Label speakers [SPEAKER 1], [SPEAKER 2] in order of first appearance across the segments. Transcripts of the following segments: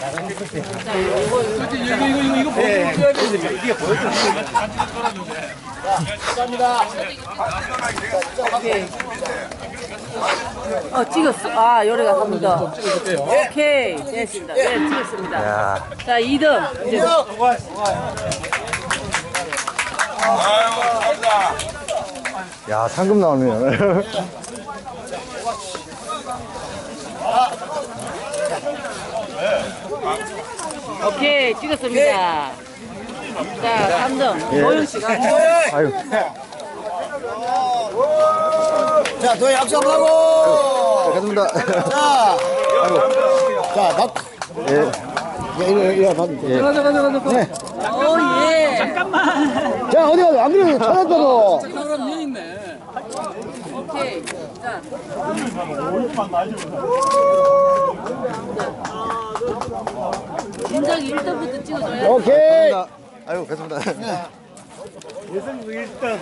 [SPEAKER 1] 이거 보여줘야 되는데 이게 보여줘야 감사합니다.
[SPEAKER 2] 오케이. 찍었어. 아, 요래가 갑니다. 오케이. 됐습니다. 네, 찍었습니다.
[SPEAKER 3] 야.
[SPEAKER 2] 자, 2등. 이제
[SPEAKER 3] 야, 상금 나오네요.
[SPEAKER 2] 오케이. 찍었습니다. 자, 3등.
[SPEAKER 3] 예.
[SPEAKER 2] 노영 씨가.
[SPEAKER 3] 아유.
[SPEAKER 1] 자, 도희 악수 한번 하고.
[SPEAKER 3] 가습니다.
[SPEAKER 1] 자, 자, 나.
[SPEAKER 3] 예.
[SPEAKER 1] 이거 받으면 돼.
[SPEAKER 2] 가자.
[SPEAKER 1] 네.
[SPEAKER 2] 오, 예. 잠깐만.
[SPEAKER 1] 자, 어디 가서 안 그래도 찾았다고.
[SPEAKER 2] 그럼 여 있네. 오케이. 자. 진작에 1등부터 찍어줘야
[SPEAKER 1] 오케이.
[SPEAKER 3] 아유, 가습니다.
[SPEAKER 1] 여성부 1등.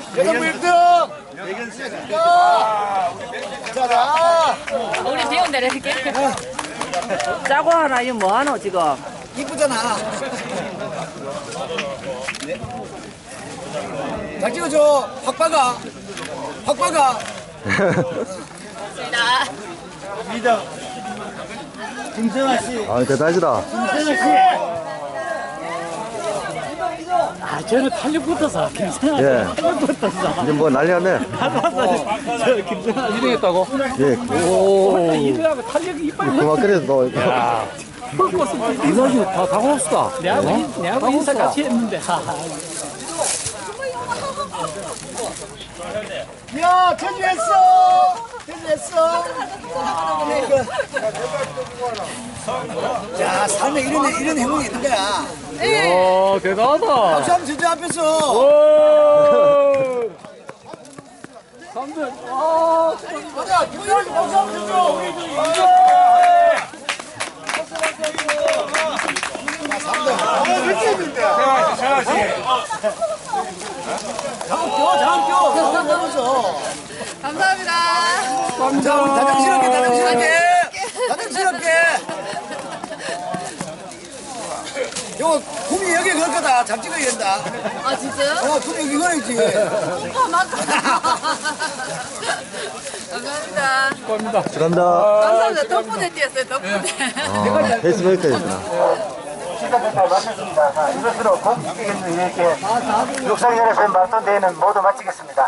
[SPEAKER 1] 자,
[SPEAKER 2] 우리 배운 대로 이렇게. 짜고 하나, 이거 뭐 하노, 지금?
[SPEAKER 1] 이쁘잖아. 잘 찍어줘. 확 박아. 확 박아. 리더. 김성아 씨.
[SPEAKER 3] 아, 대단하시다.
[SPEAKER 1] 김성아 씨.
[SPEAKER 4] 아, 저는 탄력 붙어서 김성아
[SPEAKER 3] 예.
[SPEAKER 4] 탄력 붙어서
[SPEAKER 3] 이제 뭐 난리 났네.
[SPEAKER 4] 저 김성아 1등했다고?
[SPEAKER 3] 예.
[SPEAKER 4] 오 1등하고 탄력이 이빨
[SPEAKER 3] 그만 그래도 또.
[SPEAKER 4] 이거지 다 고맙다. 내하고 인사 같이 했는데
[SPEAKER 1] 야, 제주했어. 제주했어. 자, 삶에 이런 행운이 있는 거야.
[SPEAKER 4] 오 대단하다.
[SPEAKER 1] 박수 한번 진짜 앞에서.
[SPEAKER 4] 오 3등
[SPEAKER 1] 가자, 김성아 씨 박수 한번 줘.
[SPEAKER 2] 감사합니다.
[SPEAKER 1] 자, 우리 다정스럽게. 요거 구미 여기 걸 거다. 잘 찍어야 된다.
[SPEAKER 2] 아, 진짜요?
[SPEAKER 1] 구미 여기 걸어야지.
[SPEAKER 2] 오빠 맞다. 감사합니다.
[SPEAKER 3] 축하합니다.
[SPEAKER 2] 감사합니다. 덕분에 뛰었어요, 덕분에.
[SPEAKER 3] 페이스메이커였구나.
[SPEAKER 5] 시간을 다 마쳤습니다. 자, 이것으로 공식적인 이렇게 육상연합회 마라톤 대회는 모두 마치겠습니다.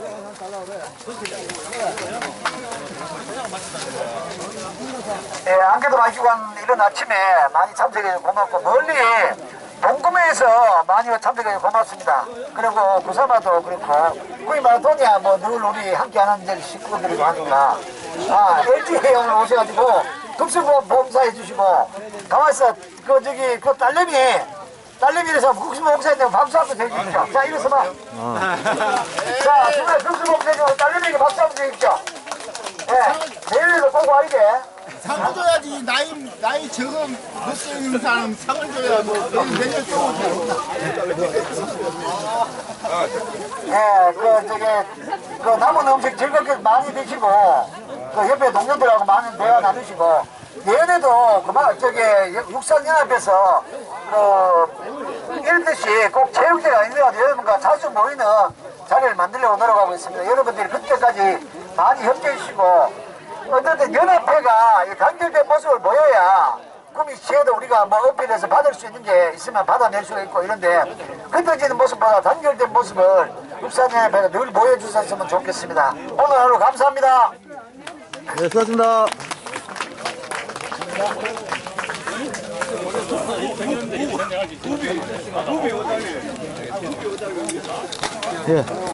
[SPEAKER 5] 예, 안개도 마시고 한 이런 아침에 많이 참석해서 고맙고 멀리 동구매에서 많이 참석해서 고맙습니다. 그리고 구사마도 그렇고 거의 마라톤이야 뭐 늘 우리 함께 하는 이제 식구들이고 하니까 LG에 오늘 오셔가지고 급수봉사해 주시고 가만있어 그 딸내미라서 국수봉사했는데 박수 한번 해주십시오. 자 이래서 봐. 자 정말 국수봉사해 주고 딸내미에게 박수 한번 해주십시오. 예, 내일에도 꼭 와야 돼.
[SPEAKER 6] 상을 줘야지. 나이 적은 못생긴 사람 상을 줘야 뭐 내년 또
[SPEAKER 5] 예, 그 남은 음식 즐겁게 많이 드시고 그 옆에 동료들하고 많은 대화 나누시고 내년에도 육상연합에서 이런 듯이 꼭 체육대회가 있는 것 같아요. 여러분과 자주 모이는 자리를 만들려고 노력하고 있습니다. 여러분들이 그때까지 많이 협조해 주시고 어쨌든 연합회가 단결된 모습을 보여야 구미 시에도 우리가 뭐 어필해서 받을 수 있는 게 있으면 받아낼 수가 있고 이런데 흩어지는 모습보다 단결된 모습을 육상연합회가 늘 보여주셨으면 좋겠습니다. 오늘 하루 감사합니다.
[SPEAKER 3] 네, 수고하셨습니다. 예.